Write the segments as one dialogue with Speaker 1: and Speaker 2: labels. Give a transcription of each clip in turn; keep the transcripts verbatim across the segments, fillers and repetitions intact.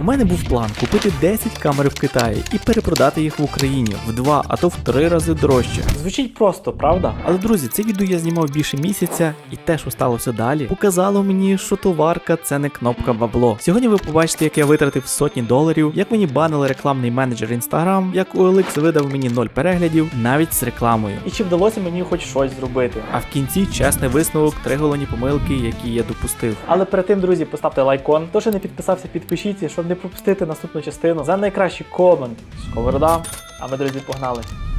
Speaker 1: У мене був план купити десять камер в Китаї і перепродати їх в Україні в два, а то в три рази дорожче. Звучить просто, правда? Але, друзі, це відео я знімав більше місяця, і те, що сталося далі, показало мені, що товарка це не кнопка бабло. Сьогодні ви побачите, як я витратив сотні доларів, як мені банили рекламний менеджер Instagram, як о ел ікс видав мені ноль переглядів навіть з рекламою. І чи вдалося мені хоч щось зробити. А в кінці чесний висновок, три головні помилки, які я допустив. Але перед тим, друзі, поставте лайкон. Хто ще не підписався, підпишіться, щоб не пропустити наступну частину. За найкращий комент Сковорода. А ми, друзі, погнали.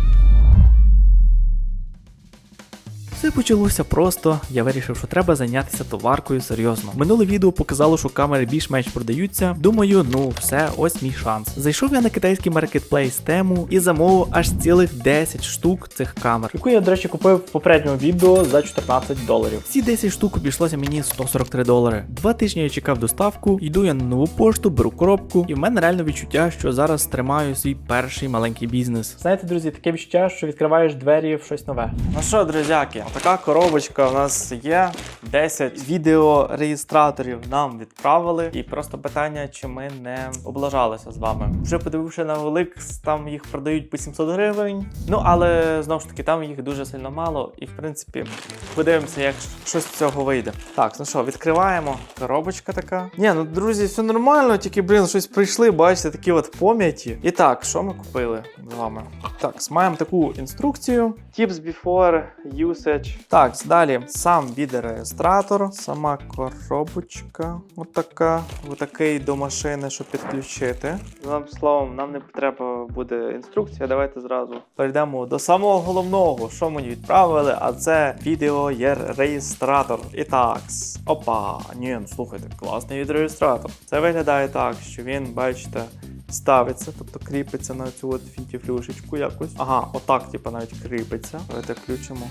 Speaker 1: Все почалося просто, я вирішив, що треба зайнятися товаркою серйозно. Минуле відео показало, що камери більш-менш продаються. Думаю, ну все, ось мій шанс. Зайшов я на китайський маркетплейс Temu і замовив аж цілих десять штук цих камер, яку я, до речі, купив в попередньому відео за чотирнадцять доларів. Ці десять штук обійшлося мені сто сорок три долари. Два тижні я чекав доставку, йду я на нову пошту, беру коробку, і в мене реально відчуття, що зараз тримаю свій перший маленький бізнес. Знаєте, друзі, таке відчуття, що відкриваєш двері в щось нове. Ну що, друзяки, така коробочка у нас є. десять відеореєстраторів нам відправили. І просто питання, чи ми не облажалися з вами. Вже подививши на о ел ікс, там їх продають по сімсот гривень. Ну, але, знову ж таки, там їх дуже сильно мало. І, в принципі, подивимося, як щось з цього вийде. Так, ну що, відкриваємо. Коробочка така. Ні, ну, друзі, все нормально, тільки, блін, щось прийшли, бачите, такі от пом'яті. І так, що ми купили з вами? Так, маємо таку інструкцію. Tips before usage. Так, далі сам відеореєстратор, сама коробочка, отака, отакий до машини, щоб підключити. Одним словом, нам не треба буде інструкція, давайте зразу перейдемо до самого головного, що мені відправили, а це відеореєстратор. І так, опа, ні, ну слухайте, класний відеореєстратор. Це виглядає так, що він, бачите, ставиться, тобто кріпиться на цю от фітіфлюшечку якось. Ага, отак, типу, навіть кріпиться. Давайте включимо.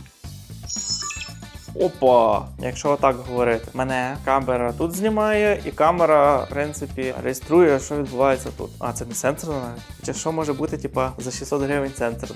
Speaker 1: Опа! Якщо отак говорити, мене камера тут знімає, і камера, в принципі, реєструє, що відбувається тут. А, це не сенсорно навіть? Чи що може бути, типа, за шістсот гривень сенсорно?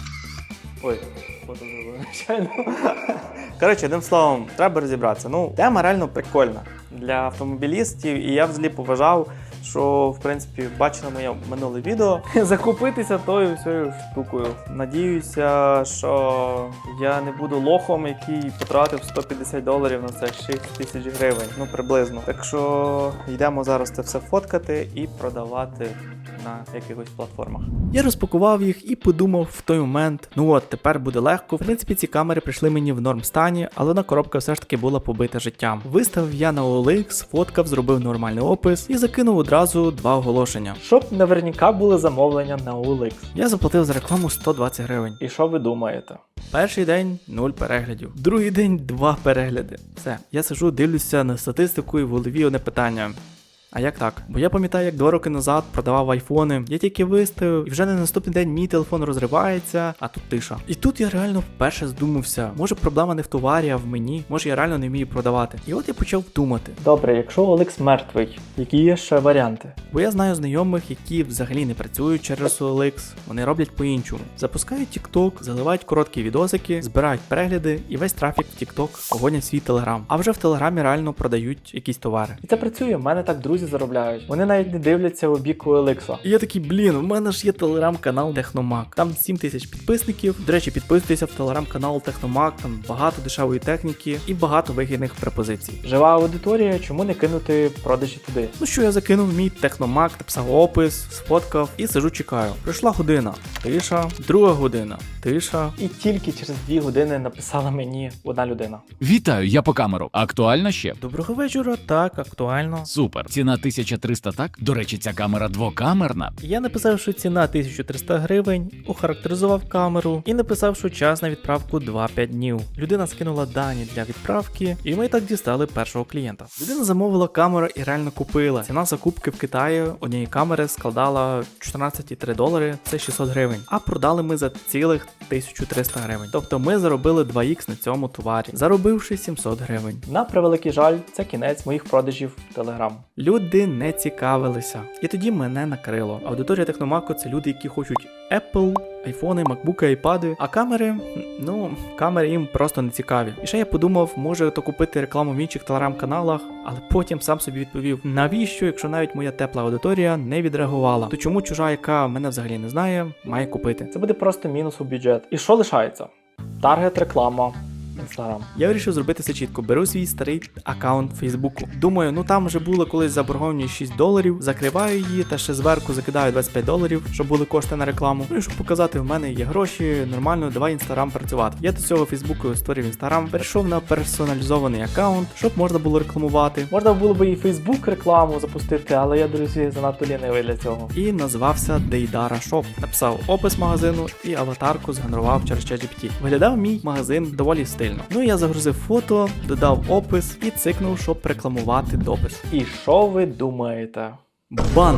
Speaker 1: Ой, фото зробив, звичайно. Коротше, одним словом, треба розібратися. Ну, тема реально прикольна для автомобілістів, і я взагалі поважав, що, в принципі, бачили моє минуле відео, закупитися тою всією штукою. Надіюся, що я не буду лохом, який потратив сто п'ятдесят доларів на це шість тисяч гривень, ну приблизно. Так що йдемо зараз це все фоткати і продавати на якихось платформах. Я розпакував їх і подумав в той момент, ну от, тепер буде легко. В принципі, ці камери прийшли мені в норм стані, але на коробка все ж таки була побита життям. Виставив я на о ел ікс, фоткав, зробив нормальний опис і закинув одразу два оголошення. Щоб наверняка були замовлення на о ел ікс. Я заплатив за рекламу сто двадцять гривень. І що ви думаєте? Перший день нуль переглядів. Другий день два перегляди. Все, я сижу, дивлюся на статистику і в голові одне питання. А як так? Бо я пам'ятаю, як два роки назад продавав айфони, я тільки виставив, і вже на наступний день мій телефон розривається, а тут тиша. І тут я реально вперше здумався, може проблема не в товарі, а в мені, може я реально не вмію продавати. І от я почав думати. Добре, якщо о ел ікс мертвий, які є ще варіанти? Бо я знаю знайомих, які взагалі не працюють через о ел ікс, вони роблять по-іншому. Запускають TikTok, заливають короткі відосики, збирають перегляди і весь трафік в TikTok погонять свій Telegram. А вже в Телеграмі реально продають якісь товари. І це працює, в мене так друзі заробляють. Вони навіть не дивляться у бік о ел ікс. І я такий, блін, у мене ж є телеграм-канал Техномаг. Там сім тисяч підписників. До речі, підписуйтеся в телеграм-канал Техномаг, там багато дешевої техніки і багато вигідних пропозицій. Жива аудиторія, чому не кинути продажі туди? Ну що, я закинув мій Техномаг, написав опис, сфоткав і сижу чекаю. Пройшла година, тиша, друга година, тиша. І тільки через дві години написала мені одна людина.
Speaker 2: Вітаю, я по камеру. Актуально ще?
Speaker 1: Доброго вечора, так, актуально.
Speaker 2: Супер. Ціна тисяча триста, так? До речі, ця камера двокамерна.
Speaker 1: Я написав, що ціна тисяча триста гривень, охарактеризував камеру і написав, що час на відправку два-п'ять днів. Людина скинула дані для відправки, і ми так дістали першого клієнта. Людина замовила камеру і реально купила. Ціна закупки в Китаї однієї камери складала чотирнадцять цілих три долари, це шістсот гривень. А продали ми за цілих тисячу триста гривень. Тобто ми заробили два ікс на цьому товарі, заробивши сімсот гривень. На превеликий жаль, це кінець моїх продажів в Telegram. Люди не цікавилися. І тоді мене накрило. Аудиторія Техномаку – це люди, які хочуть Apple, айфони, макбуки, айпади, а камери, ну, камери їм просто не цікаві. І ще я подумав, може то купити рекламу в інших телеграм-каналах, але потім сам собі відповів, навіщо, якщо навіть моя тепла аудиторія не відреагувала, то чому чужа, яка мене взагалі не знає, має купити? Це буде просто мінус у бюджет. І що лишається? Таргет реклама. Інстаграм. Я вирішив зробити все чітко. Беру свій старий аккаунт Фейсбуку. Думаю, ну там вже була колись заборгованість шість доларів, закриваю її та ще зверху закидаю двадцять п'ять доларів, щоб були кошти на рекламу. Ну і щоб показати, в мене є гроші, нормально, давай Інстаграм працювати. Я до цього Фейсбуку створив Інстаграм, перейшов на персоналізований аккаунт, щоб можна було рекламувати. Можна було б і Фейсбук рекламу запустити, але я, друзі, занадто лінивий для цього. І назвався Дейдара Шоп. Написав опис магазину і аватарку згенерував через ChatGPT. Виглядав мій магазин доволі стильно. Ну і я загрузив фото, додав опис і цикнув, щоб рекламувати допис. І що ви думаєте? Бан!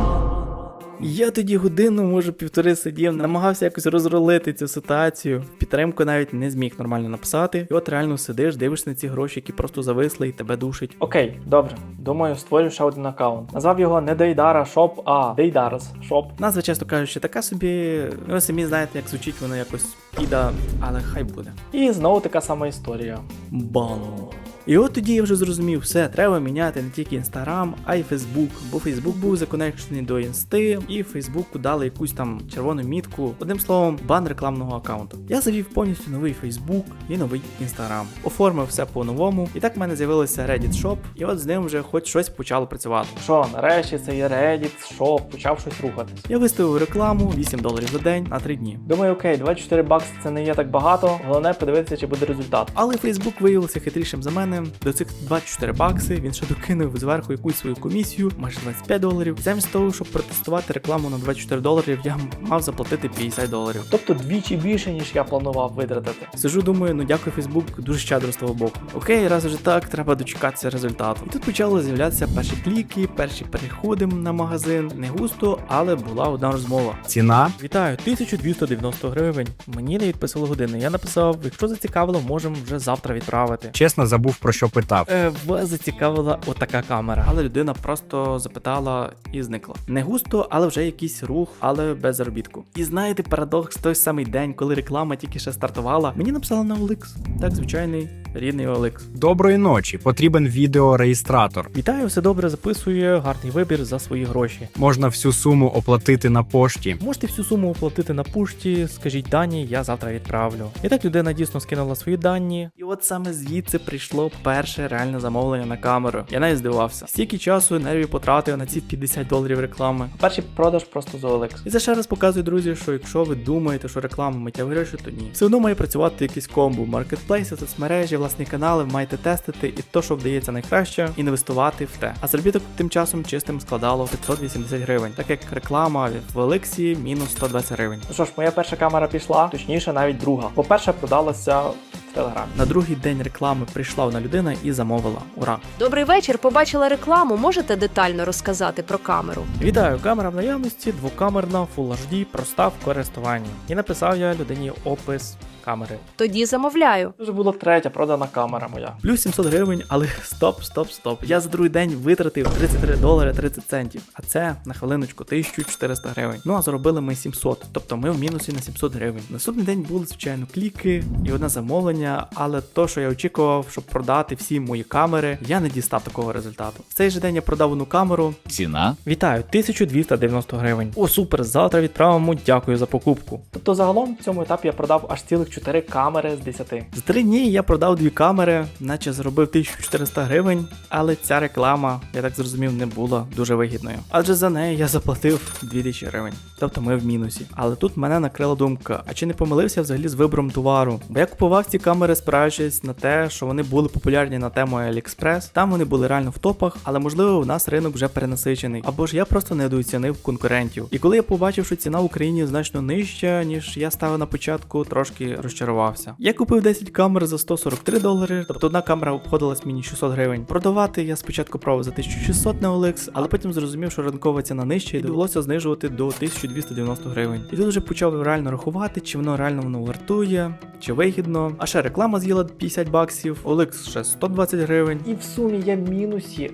Speaker 1: Я тоді годину, може півтори сидів, намагався якось розрулити цю ситуацію. В підтримку навіть не зміг нормально написати. І от реально сидиш, дивишся на ці гроші, які просто зависли і тебе душить. Окей, добре. Думаю, створю ще один аккаунт. Назвав його не Дейдара Шоп, а Дейдарс Шоп. Назва, чесно кажучи, така собі, ви самі знаєте, як звучить воно якось піда, але хай буде. І знову така сама історія. Бан. І от тоді я вже зрозумів, все, треба міняти не тільки Інстаграм, а й Фейсбук, бо Фейсбук був законекшений до Інсти, і Фейсбуку дали якусь там червону мітку, одним словом, бан рекламного аккаунту. Я завів повністю новий Фейсбук і новий Інстаграм. Оформив все по-новому, і так в мене з'явилося Reddit Shop, і от з ним вже хоч щось почало працювати. Що, нарешті це є Reddit Shop, почав щось рухатись. Я виставив рекламу, вісім доларів за день на три дні. Думаю, окей, двадцять чотири бакси це не є так багато, головне подивитися, чи буде результат. Але Фейсбук виявився хитрішим за мене. До цих двадцять чотири бакси він ще докинув зверху якусь свою комісію, майже двадцять п'ять доларів. Замість того, щоб протестувати рекламу на двадцять чотири доларів, я мав заплатити п'ятдесят доларів. Тобто двічі більше, ніж я планував витратити. Сижу, думаю, ну дякую Фейсбук, дуже щедро з того боку. Окей, раз вже так, треба дочекатися результату. І тут почали з'являтися перші кліки, перші переходи на магазин. Не густо, але була одна розмова.
Speaker 3: Ціна?
Speaker 1: Вітаю, тисяча двісті дев'яносто гривень. Мені не відписали години. Я написав, якщо зацікавило, можемо вже завтра відправити.
Speaker 3: Чесно, забув, про що питав.
Speaker 1: Е, вас зацікавила отака камера. Але людина просто запитала і зникла. Не густо, але вже якийсь рух, але без заробітку. І знаєте, парадокс, той самий день, коли реклама тільки ще стартувала, мені написали на о ел ікс. Так, звичайний, рідний о ел ікс.
Speaker 3: Доброї ночі, потрібен відеореєстратор.
Speaker 1: Вітаю, все добре, записує, гарний вибір за свої гроші.
Speaker 3: Можна всю суму оплатити на пошті.
Speaker 1: Можете всю суму оплатити на пошті, скажіть дані, я завтра відправлю. І так людина дійсно скинула свої дані. І от саме звідси прийшло перше реальне замовлення на камеру. Я навіть здивувався. Стільки часу, нервів потратив на ці п'ятдесят доларів реклами. Перший продаж просто з о ел ікс. І це ще раз показує, друзі, що якщо ви думаєте, що реклама миттєві гроші, то ні. Все одно має працювати якийсь комбо. Маркетплейси, соцмережі, власні канали, маєте тестити і то, що вдається найкраще, інвестувати в те. А заробіток тим часом чистим складало п'ятсот вісімдесят гривень, так як реклама в о ел іксі мінус сто двадцять гривень. Ну що ж, моя перша камера пішла, точніше навіть друга. По-перше, продалася в Телеграмі. На другий день реклами прийшла одна людина і замовила. Ура!
Speaker 4: Добрий вечір, побачила рекламу, можете детально розказати про камеру?
Speaker 1: Вітаю, камера в наявності, двокамерна, Full ейч ді, проста в користуванні. І написав я людині опис камери.
Speaker 4: Тоді замовляю.
Speaker 1: Це вже була третя продана камера моя. Плюс сімсот гривень, але стоп, стоп, стоп. Я за другий день витратив тридцять три долари тридцять центів. А це, на хвилиночку, тисяча чотириста гривень. Ну а заробили ми сімсот, тобто ми в мінусі на сімсот гривень. Наступний день були, звичайно, кліки і одне замовлення, але то, що я очікував, щоб продати всі мої камери, я не дістав такого результату. В цей же день я продав одну камеру.
Speaker 2: Ціна?
Speaker 1: Вітаю, тисяча двісті дев'яносто гривень. О, супер, завтра відправимо, дякую за покупку. Тобто загалом в цьому етапі я продав аж цілих чотири камери з десяти. За три дні я продав дві камери, наче заробив тисячу чотириста гривень, але ця реклама, я так зрозумів, не була дуже вигідною. Адже за неї я заплатив дві тисячі гривень. Тобто ми в мінусі. Але тут мене накрила думка, а чи не помилився взагалі з вибором товару? Бо я купував ці камери, спираючись на те, що вони були популярні на тему AliExpress, там вони були реально в топах, але можливо у нас ринок вже перенасичений. Або ж я просто недооцінив конкурентів. І коли я побачив, що ціна в Україні значно нижча, ніж я ставив на початку, трошки розчарувався. Я купив десять камер за сто сорок три долари, тобто одна камера обходилась мені шістсот гривень. Продавати я спочатку пробував за тисячу шістсот на о ел ікс, але потім зрозумів, що ринкова ціна нижча і довелося знижувати до тисяча двісті дев'яносто гривень. І тут вже почав реально рахувати, чи воно реально воно вартує, чи вигідно. А ще реклама з'їла п'ятдесят баксів, о ел ікс ще сто двадцять гривень. І в сумі я в мінусі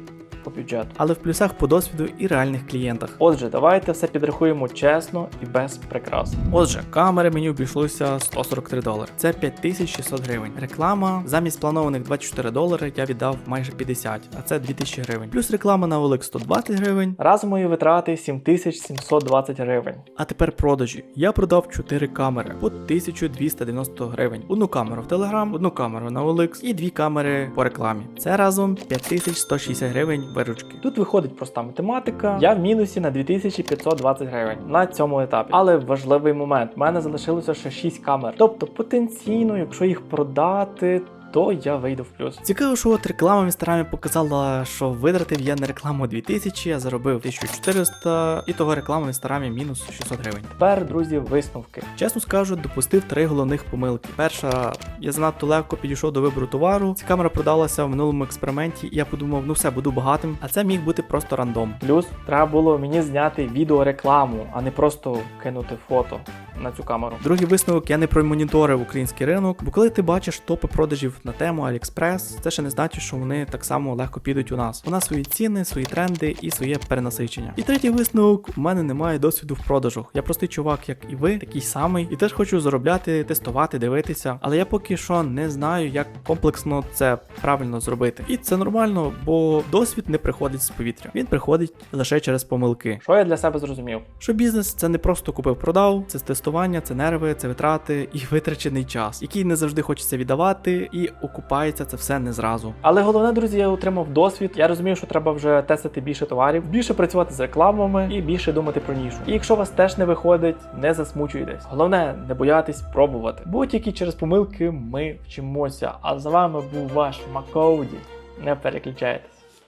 Speaker 1: по бюджету.
Speaker 5: Але в плюсах по досвіду і реальних клієнтах.
Speaker 1: Отже, давайте все підрахуємо чесно і без прикрас.
Speaker 5: Отже, камери мені обійшлося сто сорок три долари. Це п'ять тисяч шістсот гривень. Реклама замість планованих двадцять чотири долари я віддав майже п'ятдесят, а це дві тисячі гривень. Плюс реклама на о ел ікс сто двадцять гривень.
Speaker 1: Разом мої витрати сім тисяч сімсот двадцять гривень.
Speaker 5: А тепер продажі. Я продав чотири камери по тисяча двісті дев'яносто гривень. Одну камеру в Telegram, одну камеру на о ел ікс і дві камери по рекламі. Це разом п'ять тисяч сто шістдесят гривень виручки.
Speaker 1: Тут виходить проста математика. Я в мінусі на дві тисячі п'ятсот двадцять гривень на цьому етапі. Але важливий момент. У мене залишилося ще шість камер. Тобто потенційно, якщо їх продати, то я вийду в плюс.
Speaker 5: Цікаво, що от реклама в інстаграмі показала, що витратив я на рекламу дві тисячі, а заробив тисячу чотириста, і того реклама в інстаграмі мінус шістсот гривень.
Speaker 1: Тепер, друзі, висновки.
Speaker 5: Чесно скажу, допустив три головних помилки. Перша, я занадто легко підійшов до вибору товару. Ця камера продалася в минулому експерименті, і я подумав, ну все, буду багатим, а це міг бути просто рандом.
Speaker 1: Плюс треба було мені зняти відеорекламу, а не просто кинути фото на цю камеру.
Speaker 5: Другий висновок, я не промоніторив український ринок, бо коли ти бачиш топи продажів на тему AliExpress, це ще не значить, що вони так само легко підуть у нас. У нас свої ціни, свої тренди і своє перенасичення. І третій висновок, у мене немає досвіду в продажах. Я простий чувак, як і ви, такий самий, і теж хочу заробляти, тестувати, дивитися. Але я поки що не знаю, як комплексно це правильно зробити. І це нормально, бо досвід не приходить з повітря. Він приходить лише через помилки.
Speaker 1: Що я для себе зрозумів?
Speaker 5: Що бізнес це не просто купив-продав, це тестування, це нерви, це витрати і витрачений час, який не завжди хочеться віддавати, і окупається це все не зразу.
Speaker 1: Але головне, друзі, я отримав досвід. Я розумію, що треба вже тестити більше товарів, більше працювати з рекламами і більше думати про нішу. І якщо у вас теж не виходить, не засмучуйтесь. Головне, не боятись пробувати. Бо тільки через помилки ми вчимося. А з вами був ваш Макоуді. Не переключайтесь.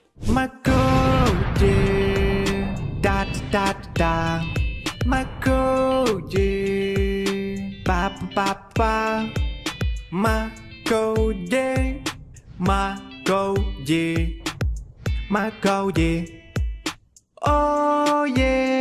Speaker 5: Макоуді, да-да-да-да, Макоуді, па-па-па-па, Макоуді, Макоуді, Макоуді, oh yeah.